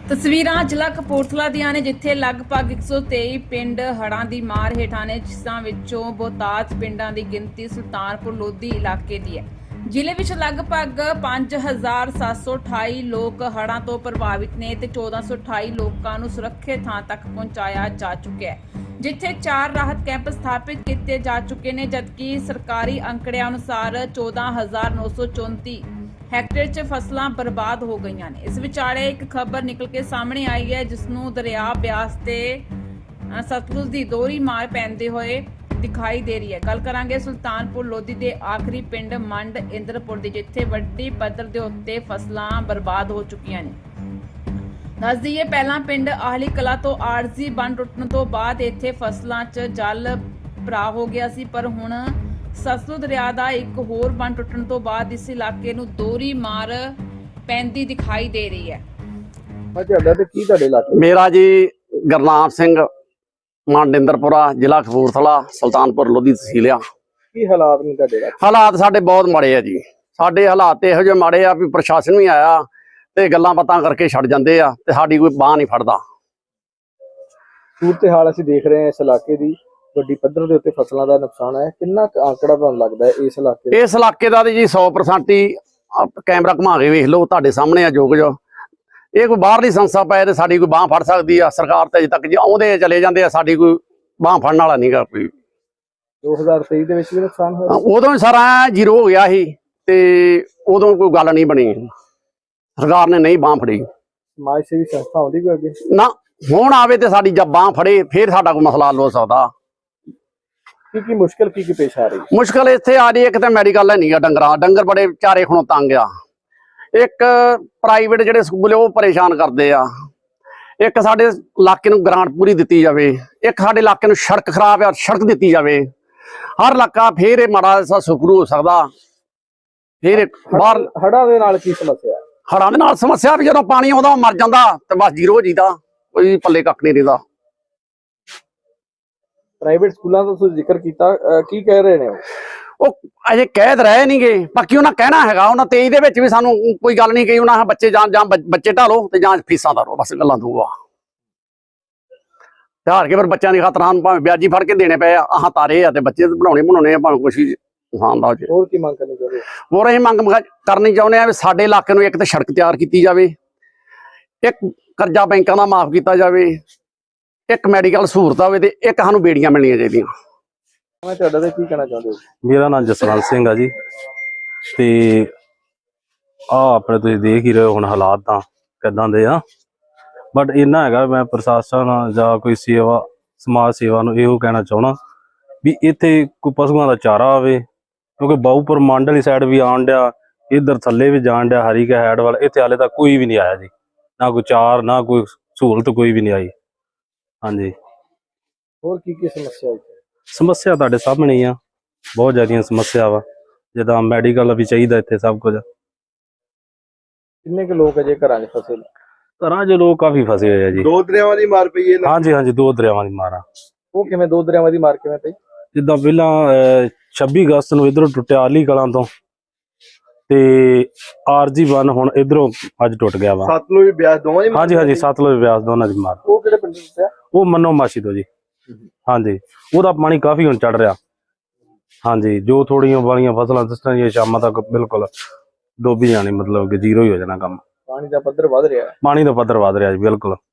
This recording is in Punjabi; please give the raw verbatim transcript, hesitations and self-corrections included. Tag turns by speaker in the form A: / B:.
A: ਤਸਵੀਰਾਂ ਜ਼ਿਲ੍ਹਾ ਕਪੂਰਥਲਾ ਦੀਆਂ ਨੇ ਜਿੱਥੇ ਲਗਭਗ ਇੱਕ ਸੌ ਤੇਈ ਪਿੰਡ ਹੜ੍ਹਾਂ ਦੀ ਮਾਰ ਹੇਠਾਂ ਨੇ, ਜਿਸਾਂ ਵਿੱਚੋਂ ਬਹੁਤਾਤ ਪਿੰਡਾਂ ਦੀ ਗਿਣਤੀ ਸੁਲਤਾਨਪੁਰ ਲੋਧੀ ਇਲਾਕੇ ਦੀ ਹੈ। ਜ਼ਿਲ੍ਹੇ ਵਿੱਚ ਲਗਭਗ ਪੰਜ ਹਜ਼ਾਰ ਸੱਤ ਸੌ ਅਠਾਈ ਲੋਕ ਹੜ੍ਹਾਂ ਤੋਂ ਪ੍ਰਭਾਵਿਤ ਨੇ ਤੇ ਚੌਦਾਂ ਸੌ ਅਠਾਈ ਲੋਕਾਂ ਨੂੰ ਸੁਰੱਖਿਅਤ ਥਾਂ ਤੱਕ ਪਹੁੰਚਾਇਆ ਜਾ ਚੁੱਕਿਆ ਹੈ, ਜਿੱਥੇ ਚਾਰ ਰਾਹਤ ਕੈਂਪ ਸਥਾਪਿਤ ਕੀਤੇ ਜਾ ਚੁੱਕੇ ਨੇ, ਜਦਕਿ ਸਰਕਾਰੀ ਅੰਕੜਿਆਂ ਅਨੁਸਾਰ ਚੌਦਾਂ ਹਜ਼ਾਰ ਨੌ ਸੌ ਚੌਂਤੀ ਹੈਕਟੇਅਰ 'ਚ ਫਸਲਾਂ ਬਰਬਾਦ ਹੋ ਗਈਆਂ ਨੇ। ਇਸ ਵਿਚਾਲੇ ਇੱਕ ਖਬਰ ਨਿਕਲ ਕੇ ਸਾਹਮਣੇ ਆਈ ਹੈ, ਜਿਸ ਨੂੰ ਦਰਿਆ ਬਿਆਸ ਤੇ ਸਤਲੁਜ ਦੀ ਦੋਹਰੀ ਮਾਰ ਪੈਂਦੇ ਹੋਏ ਦਿਖਾਈ ਦੇ ਰਹੀ ਹੈ। ਗੱਲ ਕਰਾਂਗੇ ਸੁਲਤਾਨਪੁਰ ਲੋਧੀ ਦੇ ਆਖਰੀ ਪਿੰਡ ਮੰਡ ਇੰਦਰਪੁਰ ਦੀ, ਜਿੱਥੇ ਵੱਡੀ ਪੱਧਰ ਦੇ ਉੱਤੇ ਫਸਲਾਂ ਬਰਬਾਦ ਹੋ ਚੁੱਕੀਆਂ ਨੇ। ਦੱਸ ਦਈਏ, ਪਹਿਲਾਂ ਪਿੰਡ ਆਹਲੀ ਕਲਾ ਤੋਂ ਆਰਜ਼ੀ ਬੰਨ ਟੁੱਟਣ ਤੋਂ ਬਾਅਦ ਇੱਥੇ ਫਸਲਾਂ 'ਚ ਜਲ ਭਰਾ ਹੋ ਗਿਆ ਸੀ, ਪਰ ਹੁਣ ਸਤਲੁਜ ਦਰਿਆ ਦਾ ਇੱਕ ਹੋਰ ਬੰਨ ਟੁੱਟਣ ਤੋਂ ਬਾਅਦ ਇਸ ਇਲਾਕੇ ਨੂੰ ਦੋਹਰੀ ਮਾਰ ਪੈਂਦੀ ਦਿਖਾਈ ਦੇ ਰਹੀ ਹੈ।
B: ਤੁਹਾਡਾ ਤੇ ਕੀ ਤੁਹਾਡੇ ਇਲਾਕੇ?
C: ਮੇਰਾ ਜੀ ਗੁਰਨਾਮ ਸਿੰਘ, ਮੰਡ ਇੰਦਰਪੁਰਾ, ਜ਼ਿਲ੍ਹਾ ਕਪੂਰਥਲਾ, ਸੁਲਤਾਨਪੁਰ ਲੋਧੀ ਤਹਿਸੀਲ ਆ।
B: ਕੀ ਹਾਲਾਤ ਨੇ ਤੁਹਾਡੇ ਇਲਾਕੇ?
C: ਹਾਲਾਤ ਸਾਡੇ ਬਹੁਤ ਮਾੜੇ ਆ ਜੀ। ਸਾਡੇ ਹਾਲਾਤ ਇਹੋ ਜਿਹੇ ਮਾੜੇ ਆ ਵੀ ਪ੍ਰਸ਼ਾਸਨ ਵੀ ਆਇਆ ਤੇ ਗੱਲਾਂ ਬਾਤਾਂ ਕਰਕੇ ਛੱਡ ਜਾਂਦੇ ਆ ਤੇ ਸਾਡੀ ਕੋਈ ਬਾਂਹ ਨਹੀਂ ਫੜਦਾ।
B: ਸੂਰਤ ਹਾਲ ਅਸੀਂ ਦੇਖ ਰਹੇ ਹਾਂ ਇਸ ਇਲਾਕੇ ਦੀ, ਵੱਡੀ ਪੱਧਰ ਦੇ ਉੱਤੇ ਫਸਲਾਂ ਦਾ ਨੁਕਸਾਨ ਹੈ। ਕਿੰਨਾ ਕੁ ਆંકੜਾ ਤੁਹਾਨੂੰ ਲੱਗਦਾ ਹੈ ਇਸ ਇਲਾਕੇ
C: ਇਸ ਇਲਾਕੇ ਦਾ ਤੇ ਜੀ ਸੌ ਪ੍ਰਸੈਂਟ ਹੀ ਕੈਮਰਾ ਘੁਮਾ ਕੇ ਵੇਖ ਲਓ, ਤੁਹਾਡੇ ਸਾਹਮਣੇ ਆ ਜੋ ਕੁਝ। ਇਹ ਕੋਈ ਬਾਹਰਲੀ ਸੰਸਥਾ ਪਏ ਤੇ ਸਾਡੀ ਕੋਈ ਬਾਂਹ ਫੜ ਸਕਦੀ ਆ? ਸਰਕਾਰ ਤੇ ਅਜੇ ਤੱਕ ਜੀ ਆਉਂਦੇ ਚਲੇ ਜਾਂਦੇ ਆ, ਸਾਡੀ ਕੋਈ ਬਾਂਹ ਫੜਨ ਵਾਲਾ ਨਹੀਂਗਾ ਕੋਈ।
B: ਦੋ ਹਜ਼ਾਰ ਤੇਈ ਦੇ ਵਿੱਚ ਵੀ ਨੁਕਸਾਨ ਹੋਇਆ?
C: ਉਦੋਂ ਹੀ ਸਾਰਾ ਜ਼ੀਰੋ ਹੋ ਗਿਆ ਸੀ ਤੇ ਉਦੋਂ ਕੋਈ ਗੱਲ ਨਹੀਂ ਬਣੀ, ਸਰਕਾਰ ਨੇ ਨਹੀਂ ਬਾਂਹ ਫੜੀ।
B: ਸਮਾਜ ਸੇਵੀ ਸੰਸਥਾ ਆਉਂਦੀ ਕੋਈ ਅੱਗੇ?
C: ਨਾ, ਹੁਣ ਆਵੇ ਤੇ ਸਾਡੀ ਜਦ ਬਾਂਹ ਫੜੇ ਫਿਰ ਸਾਡਾ ਕੋਈ ਮਸਲਾ ਹੱਲ ਹੋ ਸਕਦਾ।
B: ਕੀ ਕੀ ਮੁਸ਼ਕਲ ਕੀ ਕੀ ਪੇਸ਼ ਆ ਰਹੀ?
C: ਮੁਸ਼ਕਲ ਇੱਥੇ ਆ ਰਹੀ, ਇੱਕ ਤਾਂ ਮੈਡੀਕਲ ਹੈ ਨਹੀਂਗਾ, ਡੰਗਰਾਂ ਡੰਗਰ ਬੜੇ ਚਾਰੇ ਖਣੋਂ ਤੰਗ ਆ। ਇੱਕ ਪ੍ਰਾਈਵੇਟ ਜਿਹੜੇ ਸਕੂਲ ਉਹ ਪਰੇਸ਼ਾਨ ਕਰਦੇ ਆ। ਇੱਕ ਸਾਡੇ ਇਲਾਕੇ ਨੂੰ ਗ੍ਰਾਂਟ ਪੂਰੀ ਦਿੱਤੀ ਜਾਵੇ। ਇੱਕ ਸਾਡੇ ਇਲਾਕੇ ਨੂੰ ਸੜਕ ਖਰਾਬ ਆ, ਸੜਕ ਦਿੱਤੀ ਜਾਵੇ। ਹਰ ਇਲਾਕਾ ਫੇਰ ਇਹ ਮਾੜਾ ਜਿਹਾ ਸੁਖਰੂ ਹੋ ਸਕਦਾ। ਫਿਰ ਬਾਹਰ
B: ਹੜ੍ਹਾਂ ਦੇ ਨਾਲ ਕੀ ਸਮੱਸਿਆ?
C: ਹੜ੍ਹਾਂ ਦੇ ਨਾਲ ਸਮੱਸਿਆ ਵੀ ਜਦੋਂ ਪਾਣੀ ਆਉਂਦਾ ਮਰ ਜਾਂਦਾ ਤੇ ਬਸ ਜ਼ੀਰੋ ਹੋ ਜੀਦਾ, ਕੋਈ ਪੱਲੇ ਕੱਖ ਨਹੀਂ ਰਹਿੰਦਾ।
B: ਪ੍ਰਾਈਵੇਟ ਸਕੂਲਾਂ ਦਾ ਤੁਸੀਂ ਜ਼ਿਕਰ ਕੀਤਾ, ਕੀ ਕਹਿ ਰਹੇ ਨੇ ਉਹ?
C: ਉਹ ਅਜੇ ਕਹਿ ਤਾਂ ਰਹੇ ਨਹੀਂਗੇ, ਬਾਕੀ ਉਹਨਾਂ ਕਹਿਣਾ ਹੈਗਾ। ਉਹਨਾਂ ਤੇਈ ਦੇ ਵਿੱਚ ਵੀ ਸਾਨੂੰ ਕੋਈ ਗੱਲ ਨਹੀਂ ਕਹੀ। ਉਹਨਾਂ ਬੱਚੇ ਜਾਂ ਜਾਂ ਬੱਚੇ ਢਾਲੋ ਤੇ ਜਾਂ ਫੀਸਾਂ ਧਾਰੋ, ਬਸ ਗੱਲਾਂ ਦੂਆ ਹਾਰ ਕੇ ਫਿਰ ਬੱਚਿਆਂ ਦੀ ਖਾਤਰ ਸਾਨੂੰ ਭਾਵੇਂ ਵਿਆਜੀ ਫੜ ਕੇ ਦੇਣੇ ਪਏ ਆ, ਆਹ ਤਾਰੇ ਆ ਤੇ ਬੱਚੇ ਬਣਾਉਣੇ ਬਣਾਉਣੇ ਆ, ਭਾਵੇਂ ਕੁਛ ਵੀ ਨੁਕਸਾਨ ਦਾ ਹੋ ਜਾਏ।
B: ਹੋਰ ਕੀ ਮੰਗ ਕਰਨੀ ਚਾਹੁੰਦੇ?
C: ਹੋਰ ਅਸੀਂ ਮੰਗ ਕਰਨੀ ਚਾਹੁੰਦੇ ਆ ਵੀ ਸਾਡੇ ਇਲਾਕੇ ਨੂੰ ਇੱਕ ਤਾਂ ਸੜਕ ਤਿਆਰ ਕੀਤੀ ਜਾਵੇ, ਇੱਕ ਕਰਜ਼ਾ ਬੈਂਕਾਂ ਦਾ ਮਾਫ ਕੀਤਾ ਜਾਵੇ, ਇੱਕ ਮੈਡੀਕਲ ਸਹੂਲਤ ਹੋਵੇ ਤੇ ਇੱਕ ਸਾਨੂੰ ਬੇੜੀਆਂ ਮਿਲਣੀਆਂ ਚਾਹੀਦੀਆਂ।
B: ਮੈਂ ਤੁਹਾਡਾ ਤੇ ਕੀ ਕਹਿਣਾ ਚਾਹੁੰਦੇ ਹੋ?
D: ਮੇਰਾ ਨਾਮ ਜਸਵੰਤ ਸਿੰਘ ਆ ਜੀ। ਤੇ ਆ ਆਪਣੇ ਤੁਸੀਂ ਦੇਖ ਹੀ ਰਹੇ ਹੋ ਹੁਣ ਹਾਲਾਤ ਤਾਂ ਕਿੱਦਾਂ ਦੇ ਆ। ਬਟ ਇੰਨਾ ਹੈਗਾ, ਮੈਂ ਪ੍ਰਸ਼ਾਸਨ ਜਾਂ ਕੋਈ ਸੇਵਾ ਸਮਾਜ ਸੇਵਾ ਨੂੰ ਇਹੋ ਕਹਿਣਾ ਚਾਹੁੰਦਾ ਵੀ ਇੱਥੇ ਕੋਈ ਪਸ਼ੂਆਂ ਦਾ ਚਾਰਾ ਆਵੇ, ਕਿਉਂਕਿ ਬਾਊਪੁਰ ਮੰਡ ਵਾਲੀ ਸਾਈਡ ਵੀ ਆਉਣ ਡਿਆ, ਇੱਧਰ ਥੱਲੇ ਵੀ ਜਾਣ ਡਿਆ ਹਰੀਕੇ ਹੈਡ ਵਾਲਾ। ਇੱਥੇ ਹਾਲੇ ਤੱਕ ਕੋਈ ਵੀ ਨਹੀਂ ਆਇਆ ਜੀ, ਨਾ ਕੋਈ ਚਾਰ ਨਾ ਕੋਈ ਸਹੂਲਤ, ਕੋਈ ਵੀ ਨਹੀਂ ਆਈ। ਹਾਂਜੀ,
B: ਹੋਰ ਕੀ ਕੀ ਸਮੱਸਿਆ ਇੱਥੇ?
D: ਸਮੱਸਿਆ ਤੁਹਾਡੇ ਸਾਹਮਣੇ ਹੀ ਆ, ਬਹੁਤ ਜ਼ਿਆਦੀਆਂ ਸਮੱਸਿਆ ਵਾ। ਜਿੱਦਾਂ ਮੈਡੀਕਲ ਵੀ ਚਾਹੀਦਾ ਇੱਥੇ ਸਭ ਕੁਝ।
B: ਕਿੰਨੇ ਕੁ ਲੋਕ ਅਜੇ ਘਰਾਂ 'ਚ ਫਸੇ ਨੇ?
D: ਘਰਾਂ 'ਚ ਲੋਕ ਕਾਫੀ ਫਸੇ ਹੋਏ ਆ ਜੀ।
B: ਦੋ ਦਰਿਆਵਾਂ ਦੀ ਮਾਰ ਪਈ ਹੈ?
D: ਹਾਂਜੀ ਹਾਂਜੀ, ਦੋ ਦਰਿਆਵਾਂ ਦੀ ਮਾਰ ਆ।
B: ਉਹ ਕਿਵੇਂ ਦੋ ਦਰਿਆਵਾਂ ਦੀ ਮਾਰ ਕਿਵੇਂ ਪਈ?
D: ਜਿੱਦਾਂ ਪਹਿਲਾਂ ਛੱਬੀ ਅਗਸਤ ਨੂੰ ਇਧਰੋਂ ਟੁੱਟਿਆ ਆਲੀ ਕਲਾਂ ਤੋਂ, ਤੇ ਆਰਜੀ ਬੰਨ ਹੁਣ ਇਧਰੋਂ ਅੱਜ ਟੁੱਟ ਗਿਆ ਵਾ।
B: ਸਤਲੁਜ ਬਿਆਸ ਦੋਵਾਂ ਦੀ?
D: ਹਾਂਜੀ ਹਾਂਜੀ, ਸਤਲੁਜ ਬਿਆਸ ਦੋਨਾਂ ਦੀ ਮਾਰ।
B: ਉਹ ਕਿਹੜੇ ਪਿੰਡ ਤੋਂ?
D: ਉਹ ਮੰਨੋ ਮਾਸੀ ਤੋਂ ਜੀ। ਹਾਂਜੀ, ਉਹਦਾ ਪਾਣੀ ਕਾਫੀ ਹੁਣ ਚੜ ਰਿਹਾ। ਹਾਂਜੀ, ਜੋ ਥੋੜੀਆਂ ਵਾਲੀਆਂ ਫਸਲਾਂ ਦਿਸਣ ਦੀਆਂ ਸ਼ਾਮਾਂ ਤੱਕ ਬਿਲਕੁਲ ਡੋਬੀ ਜਾਣੀ, ਮਤਲਬ ਕਿ ਜ਼ੀਰੋ ਹੀ ਹੋ ਜਾਣਾ ਕੰਮ।
B: ਪਾਣੀ ਦਾ ਪੱਧਰ ਵਧ ਰਿਹਾ?
D: ਪਾਣੀ ਦਾ ਪੱਧਰ ਵਧ ਰਿਹਾ ਜੀ, ਬਿਲਕੁਲ।